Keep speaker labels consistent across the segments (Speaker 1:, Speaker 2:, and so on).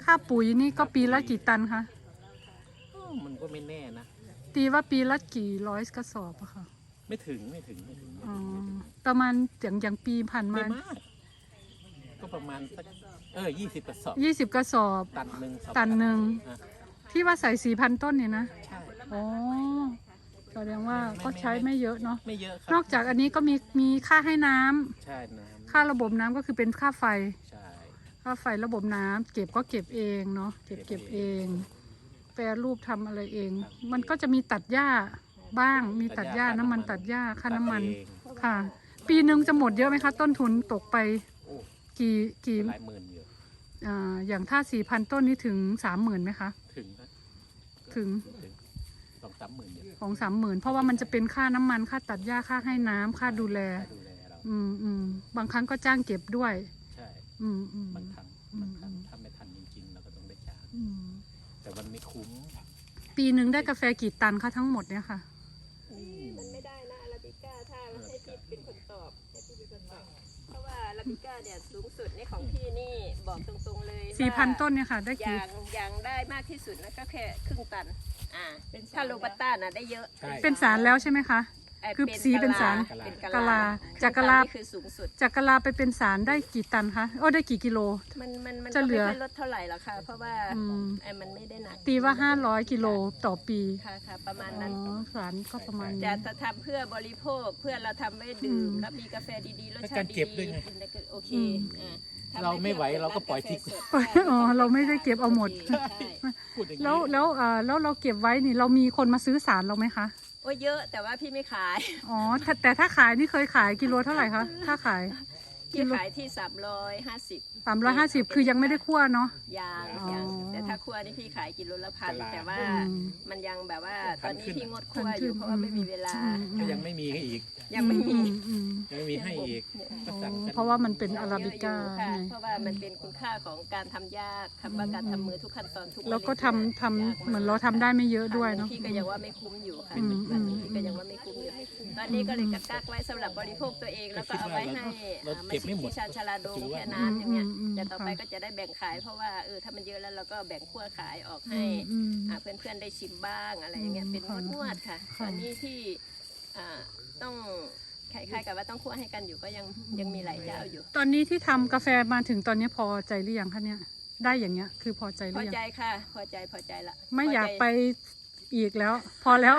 Speaker 1: ค่าปุ๋ยนี่ก็ปีละกี่ตันคะ
Speaker 2: มันก็ไม่แน่นะ
Speaker 1: ตีว่าปีละกี่ร้อยกระสอบอะค่ะ
Speaker 2: ไม่ถึง
Speaker 1: อ๋อประมาณอย่างปีผ่านมา
Speaker 2: ไม่มากก็ประมาณสัก20 กระสอบ
Speaker 1: 20 กระสอบตันหนึ่งที่ว่าใส่4,000 ต้นเนี่ยนะ
Speaker 2: ใช่
Speaker 1: อ๋อแสดงว่าก็ใช้ไม่เยอะเนาะ
Speaker 2: ไม่เยอะครับ
Speaker 1: นอกจากอันนี้ก็มีค่าให้น้ำ
Speaker 2: ใช่น้ำ
Speaker 1: ค่าระบบน้ำก็คือเป็นค่าไฟ
Speaker 2: ใช่
Speaker 1: ค่าไฟระบบน้ำเก็บก็เก็บเองเนาะเก็บเองแปรรูปทำอะไรเองมันก็จะมีตัดหญ้าบ้างมีตัดหญ้าน้ำมันตัดหญ้าค่าน้ำมันค่ะปีหนึ่งจะหมดเยอะไหมคะต้นทุนตกไปกี่
Speaker 2: หลายหมื่นเยอะ
Speaker 1: อย่างถ้า4,000 ต้นนี้ถึง30,000ไหมคะถึง2-3 หมื่นเพราะว่ามันจะเป็นค่าน้ำมันค่าตัดหญ้าค่าให้น้ำค่าดูแลบางครั้งก็จ้างเก็บด้วย
Speaker 2: ใช่บางครั้งถ้าไม่ทันจริงๆเราก็ต้องได้จ้างแต่มันไม่คุ้ม
Speaker 1: ปีหนึ่งได้กาแฟกี่ตันคะทั้งหมดเนี่ยค่ะ
Speaker 3: มันไม่ได้นะอาราบิก้าถ้าให้พี่เป็นคนตอบเพราะว่าอาราบิก้าเนี่ยสูงสุดในของพี่นี่บอกตรงๆเลย
Speaker 1: 4,000 ต้นเนี่ยค่ะได้กี่
Speaker 3: อย่างได้มากที่สุดนะก็แค่ครึ่งตันถ้าโรบัสต้าน่ะได้เยอะ
Speaker 1: เป็นสารแล้วใช่ไหมคะคือสีเป็นสารกะลาจากกะลา
Speaker 3: คือสูงสุด
Speaker 1: จากกะลาไปเป็นสารได้กี่ตันคะได้กี่กิโล
Speaker 3: มันจะเหลือไม่ลดเท่าไหร่หรอกค่ะเพราะว่ามันไม่ได้หนัก
Speaker 1: ตีว่า500 กิโลต่อปี
Speaker 3: ค่ะประมาณนั้น
Speaker 1: สารก็ประมาณ
Speaker 3: จะทำเพื่อบริโภคเพื่อเราทำไว้ดื่มแล้วมีกาแฟดีๆรสชาติดีกินได้โอเค
Speaker 2: เราไม่ไหวเราก็ปล่อยทิ้ง
Speaker 1: เราไม่ได้เก็บเอาหมดแล้วเราเก็บไว้นี่เรามีคนมาซื้อสารเราไหมคะ
Speaker 3: เยอะแต่ว่าพี่ไม่ขาย
Speaker 1: แต่ถ้าขายนี่เคยขายกิโลเท่าไหร่คะถ้าขาย
Speaker 3: พี่ขายที่350
Speaker 1: คือยังไม่ได้คั่วเนาะ
Speaker 3: ยังแต่ถ้าคั่วนี่พี่ขายกิโลละ1,000แต่ว่ามันยังแบบว่าตอนนี้พี่งดคั่วอยู่เพราะว่าไม่มีเวลา
Speaker 2: ยังไม่มีให้อีก
Speaker 3: ยังไม่มี
Speaker 2: ให้อีก
Speaker 1: เพราะว่ามันเป็นอาราบิก้า
Speaker 3: เพราะว่ามันเป็นคุณค่าของการทำยากคำว่าการทำมือทุกขั้นตอนทุก
Speaker 1: แล้วก็ทำเหมือนเราทำได้ไม่เยอะด้วยเนาะ
Speaker 3: พี่ก็ยังว่าไม่คุ้มอยู่ค่ะพี่ก็ยังว่าไม่คุ้มอยู่ตอนนี้ก็เลยกักไว้สำหรับบริโภคตัวเองแล้วก็เอาไว้ให้ที่ชาญชาลาดงแค่นั้นอย่างเงี้ยแต่ต่อไปก็จะได้แบ่งขายเพราะว่าถ้ามันเยอะแล้วเราก็แบ่งขั้วขายออกให้เพื่อนๆได้ชิมบ้างอะไรอย่างเงี้ยเป็นนวดค่ะตอนนี้ที่ต้องคล้ายๆกับว่าต้องคั่วให้กันอยู่ก็ยังมีหลายเจ้าอยู่
Speaker 1: ตอนนี้ที่ทำกาแฟมาถึงตอนนี้พอใจหรือยังคะเนี่ยได้อย่างเงี้ยคือพอใจหรือยัง
Speaker 3: พอใจค่ะพอใจละ
Speaker 1: ไม่อยากไปอีกแล้วพอแล้ว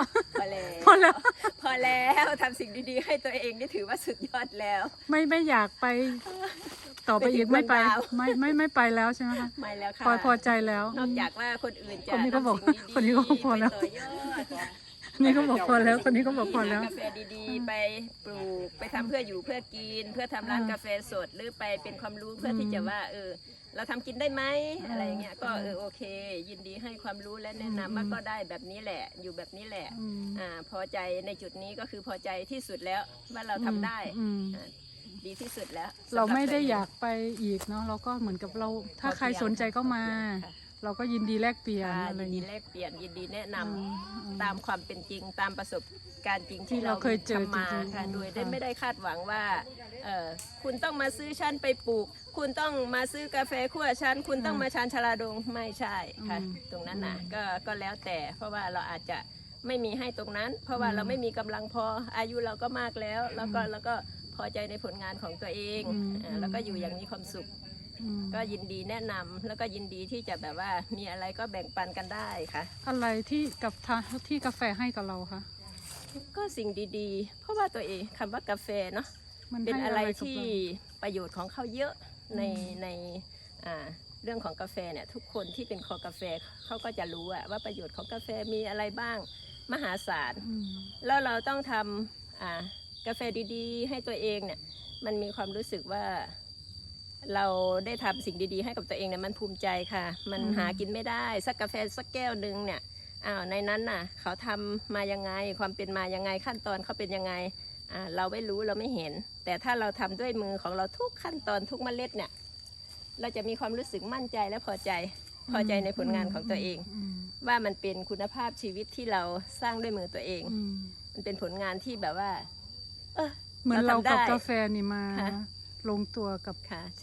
Speaker 3: ทำสิ่งดีๆให้ตัวเองนี่ถือว่าสุดยอดแล้ว
Speaker 1: ไม่อยากไปต่อไปอีกไม่ไปไม่ไปแล้วใช่ไหมคะ
Speaker 3: ไม่แล้วค่ะ
Speaker 1: พอใจแล้ว
Speaker 3: นอกจากว่าคนอื่นจะ
Speaker 1: คนนี้ก็บอกคนนี้ก็พอแล้วนี่ก็บอกพอแล้วคนนี้ก็บอกพอแล้ว
Speaker 3: กาแฟดีๆไปปลูกไปทำเพื่ออยู่เพื่อกินเพื่อทำร้านกาแฟสดหรือไปเป็นความรู้เพื่อที่จะว่าเราทำกินได้ไหมอะไรเงี้ยก็โอเคยินดีให้ความรู้และแนะนำว่าก็ได้แบบนี้แหละอยู่แบบนี้แหละพอใจในจุดนี้ก็คือพอใจที่สุดแล้วว่าเราทำได้ดีที่สุดแล้ว
Speaker 1: เราไม่ได้อยากไปอีกเนาะเราก็เหมือนกับเราถ้าใครสนใจก็มาเราก็ยินดีแลกเปลี่ยนอะไร
Speaker 3: ยินดีแลกเปลี่ยนยินดีแนะนำตามความเป็นจริงตามประสบการณ์จริงที่เรา
Speaker 1: เคยเจอ
Speaker 3: มาค่ะโดยไม่ได้คาดหวังว่าคุณต้องมาซื้อชั้นไปปลูกคุณต้องมาซื้อกาแฟคั่วชั้นคุณต้องมาชานชาลาดงไม่ใช่ค่ะตรงนั้นนะก็แล้วแต่เพราะว่าเราอาจจะไม่มีให้ตรงนั้นเพราะว่าเราไม่มีกำลังพออายุเราก็มากแล้วแล้วก็พอใจในผลงานของตัวเองแล้วก็อยู่อย่างมีความสุขก็ยินดีแนะนำแล้วก็ยินดีที่จะแบบว่ามีอะไรก็แบ่งปันกันได้ค่ะ
Speaker 1: อะไรที่กาแฟให้กับเราคะ
Speaker 3: ก็สิ่งดีๆเพราะว่าตัวเองคำว่ากาแฟเนาะเป็นอะไรที่ประโยชน์ของเขาเยอะในเรื่องของกาแฟเนี่ยทุกคนที่เป็นคอกาแฟเขาก็จะรู้ว่าประโยชน์ของกาแฟมีอะไรบ้างมหาศาลแล้วเราต้องทำกาแฟดีๆให้ตัวเองเนี่ยมันมีความรู้สึกว่าเราได้ทำสิ่งดีๆให้กับตัวเองเนี่ยมันภูมิใจค่ะมันหากินไม่ได้สักกาแฟสักแก้วหนึ่งเนี่ยในนั้นน่ะเขาทำมายังไงความเป็นมายังไงขั้นตอนเขาเป็นยังไงเราไม่รู้เราไม่เห็นแต่ถ้าเราทำด้วยมือของเราทุกขั้นตอนทุกเมล็ดเนี่ยเราจะมีความรู้สึกมั่นใจและพอใจในผลงานของตัวเองว่ามันเป็นคุณภาพชีวิตที่เราสร้างด้วยมือตัวเองมันเป็นผลงานที่แบบว่า
Speaker 1: เหมือนเรากับกาแฟนี่มาลงตัวกับ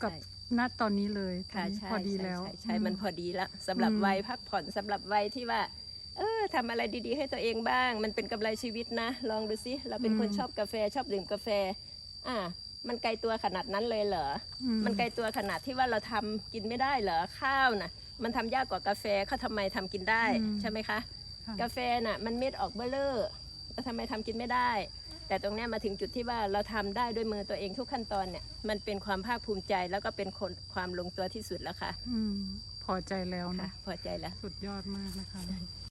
Speaker 1: ณตอนนี้เลยตอน
Speaker 3: ค่ะ
Speaker 1: นี้
Speaker 3: ใช่
Speaker 1: พอดีแล้ว
Speaker 3: ใช่มันพอดีแล้วสำหรับ
Speaker 1: อืม
Speaker 3: วัยพักผ่อนสำหรับวัยที่ว่าทำอะไรดีๆให้ตัวเองบ้าง มันเป็นกำไรชีวิตนะ ลองดูสิเราเป็นคนชอบกาแฟชอบดื่มกาแฟมันไกลตัวขนาดนั้นเลยเหรอ มันไกลตัวขนาดที่ว่าเราทำกินไม่ได้เหรอข้าวน่ะมันทำยากกว่ากาแฟเขาทำไมทำกินได้ใช่ไหมคะ
Speaker 1: ค่ะ
Speaker 3: กาแฟน่ะมันเม็ดออกเบลเลอร์แล้วทำไมทำกินไม่ได้ แต่ตรงเนี้ยมาถึงจุดที่ว่าเราทำได้ด้วยมือตัวเองทุกขั้นตอนเนี่ยมันเป็นความภาคภูมิใจแล้วก็เป็นความลงตัวที่สุดแล้วค่ะ
Speaker 1: พอใจแล้ว
Speaker 3: ค่ะ
Speaker 1: นะ
Speaker 3: พอใจแล้ว
Speaker 1: สุดยอดมากนะคะ